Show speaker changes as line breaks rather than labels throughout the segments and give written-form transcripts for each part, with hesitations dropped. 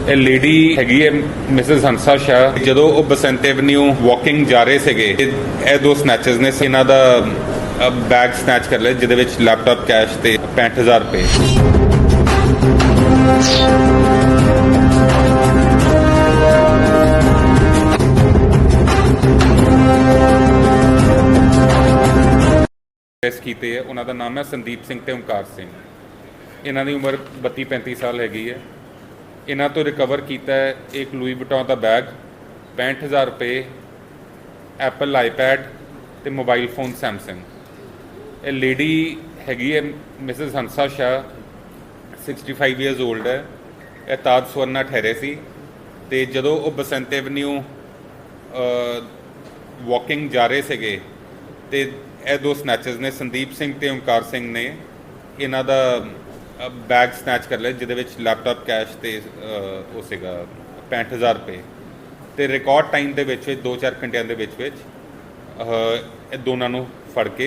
ਇਹ ਲੇਡੀ ਹੈਗੀ ਹੈ ਮਿਸਿਸ ਹੰਸਾ ਸ਼ਾਹ। ਜਦੋਂ ਉਹ ਬਸੰਤ ਐਵਨਿਊ ਵਾਕਿੰਗ ਜਾ ਰਹੇ ਸੀਗੇ, ਇਹ ਦੋ ਸਨੈਚਰਸ ਨੇ ਇਹਨਾਂ ਦਾ ਬੈਗ ਸਨੈਚ ਕਰ ਲਿਆ, ਜਿਹਦੇ ਵਿੱਚ ਲੈਪਟਾਪ, ਕੈਸ਼ ਤੇ 65000 ਰੁਪਏ। ਅਰੈਸਟ ਕੀਤੇ ਹੈ। ਉਹਨਾਂ ਦਾ ਨਾਮ ਹੈ ਸੰਦੀਪ ਸਿੰਘ ਤੇ ਓਮਕਾਰ ਸਿੰਘ। ਇਹਨਾਂ ਦੀ ਉਮਰ 32-35 ਸਾਲ ਹੈਗੀ ਹੈ। ਇਹਨਾਂ ਤੋਂ ਰਿਕਵਰ ਕੀਤਾ ਹੈ ਇੱਕ ਲੂਈ ਵੁਇਟਨ ਦਾ ਬੈਗ, 65000 ਰੁਪਏ, ਐਪਲ ਆਈਪੈਡ ਤੇ ਮੋਬਾਈਲ ਫੋਨ ਸੈਮਸੰਗ। ਇਹ ਲੇਡੀ ਹੈਗੀ ਹੈ Mrs Hansa Shah, 65 years old ਹੈ। ਇਹ ਤਾਜ ਸਵਰਨਾ ਠਹਿਰੇ ਸੀ ਤੇ ਜਦੋਂ ਉਹ ਬਸੰਤ ਐਵਨਿਊ ਵਾਕਿੰਗ ਜਾ ਰਹੇ ਸੀਗੇ ਤੇ ਇਹ ਦੋ ਸਨੈਚਰਸ ਨੇ, ਸੰਦੀਪ ਸਿੰਘ ਤੇ ਓਮਕਾਰ ਸਿੰਘ ਨੇ ਇਹਨਾਂ ਦਾ ਬੈਗ ਸਨੈਚ ਕਰ ਲਿਆ, ਜਿਹਦੇ ਵਿੱਚ ਲੈਪਟਾਪ, ਕੈਸ਼ ਤੇ ਉਹ ਸੀਗਾ 65000 ਰੁਪਏ। ਤੇ ਰਿਕਾਰਡ ਟਾਈਮ ਦੇ ਵਿੱਚ 2-4 ਘੰਟਿਆਂ ਦੇ ਵਿੱਚ ਇਹ ਦੋਨਾਂ ਨੂੰ ਫੜ ਕੇ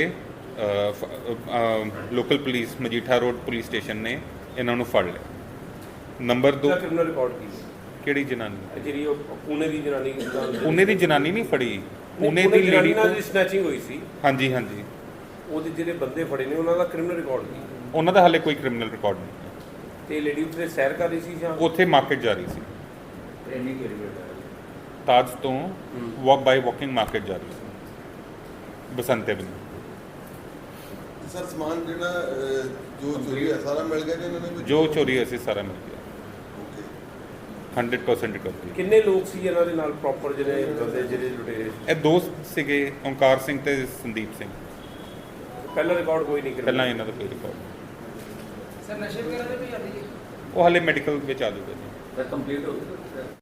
local police Majitha road police station ਨੇ ਇਹਨਾਂ ਨੂੰ ਫੜ ਲਿਆ। ਨੰਬਰ 2
ਕ੍ਰਿਮੀਨਲ ਰਿਕਾਰਡ ਕੀ
ਕਿਹੜੀ ਜਨਾਨੀ?
ਜਿਹੜੀ ਉਹ ਪੁਣੇ ਦੀ ਜਨਾਨੀ,
ਪੁਣੇ ਦੀ ਜਨਾਨੀ ਨਹੀਂ ਫੜੀ, ਪੁਣੇ ਦੀ ਲੇਡੀ
ਨਾਲ ਸਨੈਚਿੰਗ ਹੋਈ ਸੀ।
ਹਾਂਜੀ ਹਾਂਜੀ,
ਉਹਦੇ ਜਿਹੜੇ ਬੰਦੇ ਫੜੇ ਨੇ ਉਹਨਾਂ ਦਾ ਕ੍ਰਿਮੀਨਲ ਰਿਕਾਰਡ ਕੀ?
ਉਹਨਾਂ ਦਾ ਹਾਲੇ ਕੋਈ ਕ੍ਰਿਮੀਨਲ ਰਿਕਾਰਡ ਨਹੀਂ।
ਤੇ ਲੇਡੀ ਉੱਥੇ ਸੈਰ ਕਰ ਰਹੀ ਸੀ ਜਾਂ
ਉੱਥੇ ਮਾਰਕੀਟ ਜਾ ਰਹੀ ਸੀ,
ਟ੍ਰੇਨਿੰਗ ਕਿਹੜੀ
ਤਾਜ ਤੋਂ ਵਾਕਿੰਗ ਮਾਰਕੀਟ ਜਾ ਰਹੀ ਸੀ ਬਸੰਤ ਐਵਨਿਊ।
ਸਰ ਸਮਾਨ ਜਿਹੜਾ ਜੋ ਚੋਰੀ ਹੈ ਸਾਰਾ ਮਿਲ ਗਿਆ ਜੀ ਇਹਨਾਂ ਨੇ?
ਜੋ ਚੋਰੀ ਹੋਈ ਸੀ ਸਾਰਾ ਮਿਲ ਗਿਆ,
ਓਕੇ।
100% ਰਿਕਵਰੀ।
ਕਿੰਨੇ ਲੋਕ ਸੀ ਇਹਨਾਂ ਦੇ ਨਾਲ ਪ੍ਰੋਪਰ ਜਿਹੜੇ ਬੰਦੇ ਜਿਹੜੇ ਲੁਟੇਰੇ?
ਇਹ ਦੋਸਤ ਸੀਗੇ, ਓਮਕਾਰ ਸਿੰਘ ਤੇ ਸੰਦੀਪ ਸਿੰਘ।
ਪਹਿਲਾ ਰਿਕਾਰਡ ਕੋਈ ਨਹੀਂ
ਪਹਿਲਾਂ ਇਹਨਾਂ ਦਾ ਕੋਈ ਰਿਕਾਰਡ ਨਹੀਂ।
ਸਰ ਨਸ਼ੇ ਵਗੈਰਾ ਦੇ ਵੀ ਆਦੀ ਹੈ?
ਉਹ ਹਾਲੇ ਮੈਡੀਕਲ ਵਿੱਚ ਆ ਜਾਊਗਾ ਜੀ।
ਕੰਪਲੀਟ ਹੋ ਗਿਆ।